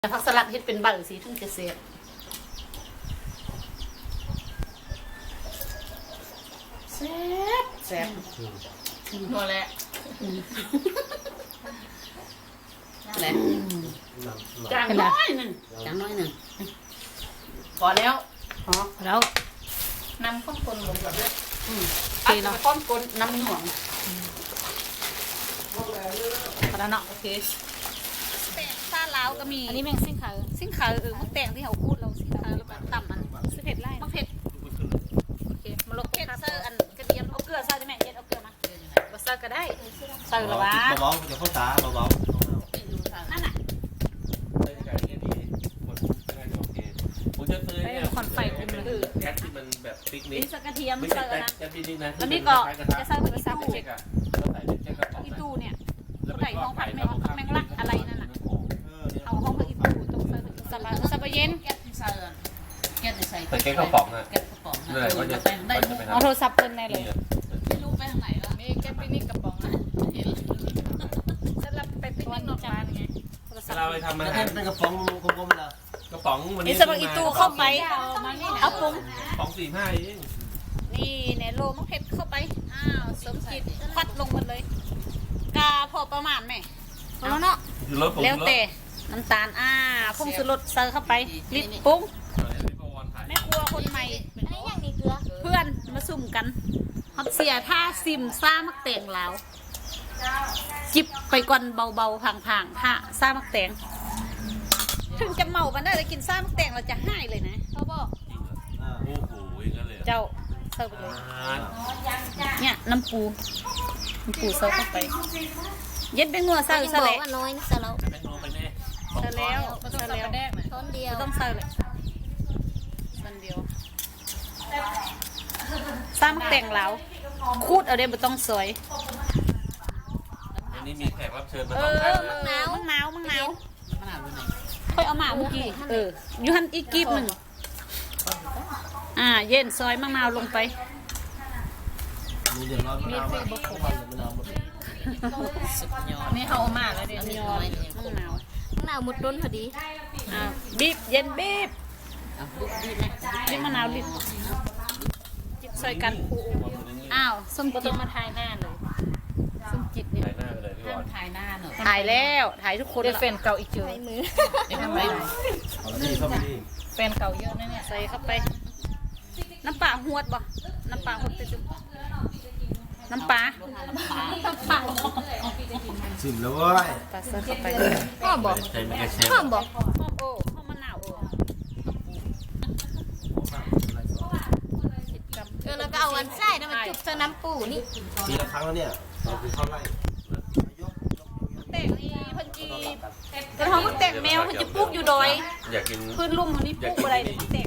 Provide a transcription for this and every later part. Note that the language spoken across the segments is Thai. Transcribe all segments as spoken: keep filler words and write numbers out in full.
ผักสลัดเฮ็ดเป็นบังสีถึงจะเสียบแซ่บแซ่บพอแล้วอะไรจางน้อยหนึ่งจางน้อยหนึ่งพอแล้วพอแล้วน้ำข้นคนลงแบบนี้โอเคเนาะข้นคนน้ำหน่วงพอแล้วเนาะโอเคซาลาวก็มีอันนี้แมงซิ่งขาวซิ่งขาวเออมะแตงที่เขาพูดเราซิ่งขาวแล้วแบบต่ำมันสิเผ็ดไล่มะเผ็ดโอเคมาลกเผ็ดเซอร์อันกระเทียมเอาเกลือใส่ได้ไหมเย็นเอาเกลือมาบะเซอร์ก็ได้ใส่ละวะเบาๆจะเข้าตาเบาๆนั่นน่ะผมจะซื้อเนี่ยคอนไฟคุมเลยแก๊สที่มันแบบปิกนิกนี่ใส่กระเทียมเซอร์นะแก๊สปิกนิกนะแล้วนี่ก็จะใส่ผักชีเช็คใส่เป็นแก๊สกระป๋องอีตู้เนี่ยใส่ห้องผัดแมงแมงลักอะไรนั่นน่ะเอาห้องผัดอีตู้ตรงใส่สับสับเย็นแก๊สใส่แก๊สใส่ใส่แก๊สกระป๋องอ่ะแก๊สกระป๋องเลยก็จะได้เอาโทรศัพท์เพิ่นได้เลยไม่รู้ไปทางไหนละมีแก๊ปปินี่กระป๋องนะเห็นสลับไปปิกนิกนอกบ้านไงเราไปทำอาหารเป็นกระป๋องกลมๆนะกระป๋องวันนี้นี่สบักอีตู้เข้าไปเอาปรุงป๋องสี่ห้าเองนี่เนโรมะเพ็ดเข้าไปอ้าวสมจิตพัดลงหมดเลยกาพอประมาณไหมพอแล้วเนาะแล้วแต่น้ำตาลอ่าผงชูรสเติมเข้าไปลิตรปรุงแม่ครัวคนใหม่อันนี้อย่างนี้เกลือเพื่อนมาซุ่มกันฮอตเสียท่าซิมซ่ามักแตงลาวจิบไปก่อนเบาๆพังๆท่าซ่ามักแตงถึงจะเมากันได้แต่กินซ่ามักแตงเราจะให้เลยนะเขาบอกโอ้โหอย่างนั้นเลยเจ้าเสิร์ฟเลยเนี่ยน้ำปูน้ำปูเสิร์ฟเข้าไปเย็ดเป็นงัวใส่ยังซะบอแล้กวว่าน้อยนะสลับแม่งโนไปแน่ใส่แล้วใส่แล้วช้อนเดียวต้องใส่เลยส่วนเดียวซ่ามักแตงลาวคูดเอาเดี๋ยวไม่ต้องสวยวันนี้มีแขกรับเชิญมาเอสองอท่านมังนาวมังนาวมังนาวค่อยเอามาเมื่อกี้เออยูฮันอีกกีบหนึ่งอ่าเย็นซอยมะนาวลงไปมีเดือดร้อนมะนาวมากมะนาวหมดนี่เขาเอามาแล้วเดี๋ยวนี้มะนาวมะนาวหมดต้นพอดีอ่าบีบเย็นบีบบีบมะนาวบีบจิบซอยกันอ้าวส้มจิตมาถ่ายหน้าเลยส้มจิตเนี่ยถ่ายหน้าไปเลยพี่บอลถ่ายหน้าหน่อยถ่ายแล้วถ่ายทุกคนแฟนเก่าอีกเจอใช้มือไม่ทำไรเอาละนี่เข้าไปนี่แฟนเก่าเยอะนะเนี่ยใส่เข้าไป น้ำปลาหวดบ่น้ำปลาหวดไปจุ๊บน้ำปลาน้ำปลาชิมแล้วเว้ยปลาเสิร์ฟเข้าไปพ่อบอกใส่ไม่กระเชฟพ่อบอกหอมโอ้หอมมะนาวโอ้เออแล้วก็เอาอันไส้นะมันจุบเจอน้ำปูนี่ทีละครั้งแล้วเนี่ยเราคือเข้าไล่แต่งนี่เพิ่นจีกระท้องมันแต่งแมวเพิ่นจะปลูกอยู่ดอยอยากกินพื้นลุ่มคนนี้ปลูกอะไรเนี่ยแต่ง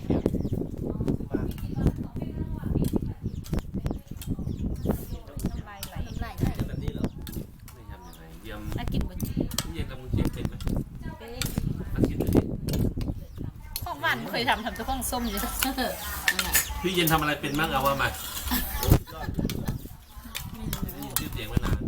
น้ำลายไหลน้ำลายแบบนี้เหรอไม่ทำยังไงเยี่ยมน่ากินบ่เยี่ยมกับมึงเชฟเป็นไหมมากินดูดิของหวานเคยทำทำแต่ของส้มอยู่พี่เย็นทำอะไรเป็นบ้างเอาว่ามาชื่อเสียงมานาน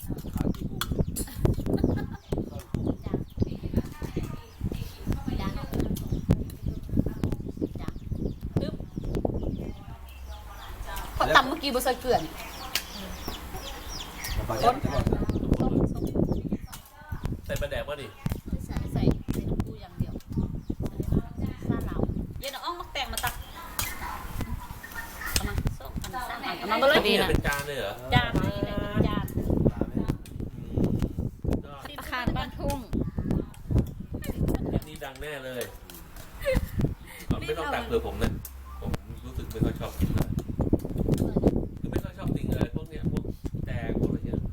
พอตำเมื่อกี้บ่ใส่เกลือนี่ปลาแก้วจะก่อนใส่ปลาแดกป่ะดิใส่ใส่ใส่น้ำปูอย่างเดียวซาลาวเย็นเอาอ่องมาแต่งมาตักเอามาส้มอันนี้อันเอานั้นก็เลยนี่เป็นจานเลยเหรอจานนี่แหละจานก็อาคารบ้านทุ่งนี่ดังแน่เลยไม่ต้องตักเผื่อผมนะผมรู้สึกไม่ค่อยชอบกินเลยคือไม่ค่อยชอบสิ่งอะไรพวกเนี้ยพวกแตงพวกอะไรเงี้ย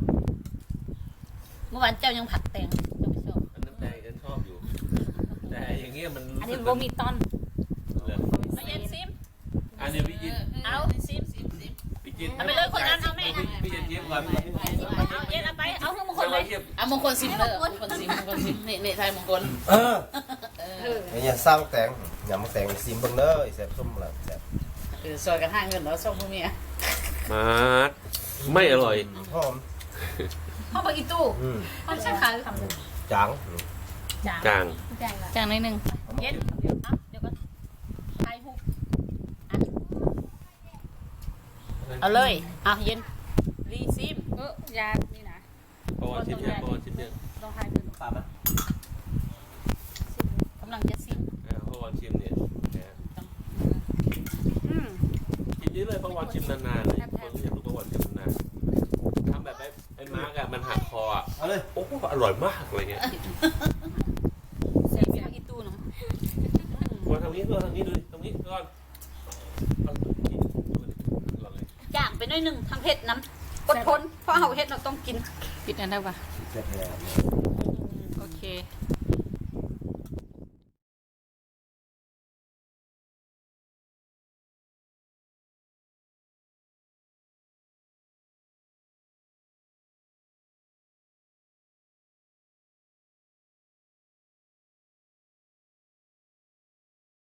เมื่อวานเจ้ายังผัดแตงเจ้าไม่ชอบอันน้ำแดงฉันชอบอยู่ แต่อย่างเงี้ยมันอันนี้โบมีตอนเลยมาเย็นซิมอันนี้พี่ยินเอาซิมพี่จินเอาไปเลยคนนั้นเอาแม่พี่ยินเย็บก่อนเอาเย็นเอาไปเอาให้มงคลเลยอ่ะมงคลซิมเนอร์มงคลซิมมงคลซิมนี่นี่ไทยมงคลเออเนี่ยสร้างแตงอย่ามาแตงซิมเบิ้งเด้อแซ่บส้มละแซ่บเออซอยกันห้าเงินแล้วส่งพวกเมียมาไม่อร่อยหอมพ่อบอกอีตู้อืมพ่อใช่ขายทำเลยจางจางจางจางนิดนึงเย็นเดี๋ยวนะเดี๋ยวก็ไทยฮุกเอาเลยอ่ะเย็นรีซิมเออยานี่นะประวัติชิมเนี่ยประวัติชิมเนี่ยต้องทายเป็นปลาไหมกำลังจะซิมอ่าประวัติชิมเนี่ยนะอืมชิมนี้เลยประวัติชิมนานๆเลยคนอยากรู้ประวัติชิมนานๆทำแบบไอ้ไอ้มาร์กอะมันหักคออะเอาเลยโอ้โหอร่อยมากอะไรเงี้ยใส่ไปทางอีตู้เนาะมาทางนี้ด้วยทางนี้ดูดิทางนี้ก่อนเอาดูดิดูดิลองเลยย่างไปหน้อยหนึ่งทางเผ็ดน้ำอดทนเพราะเอาเห็ดเราต้องกินกินอันได้ปะเสร็จแล้วโอเค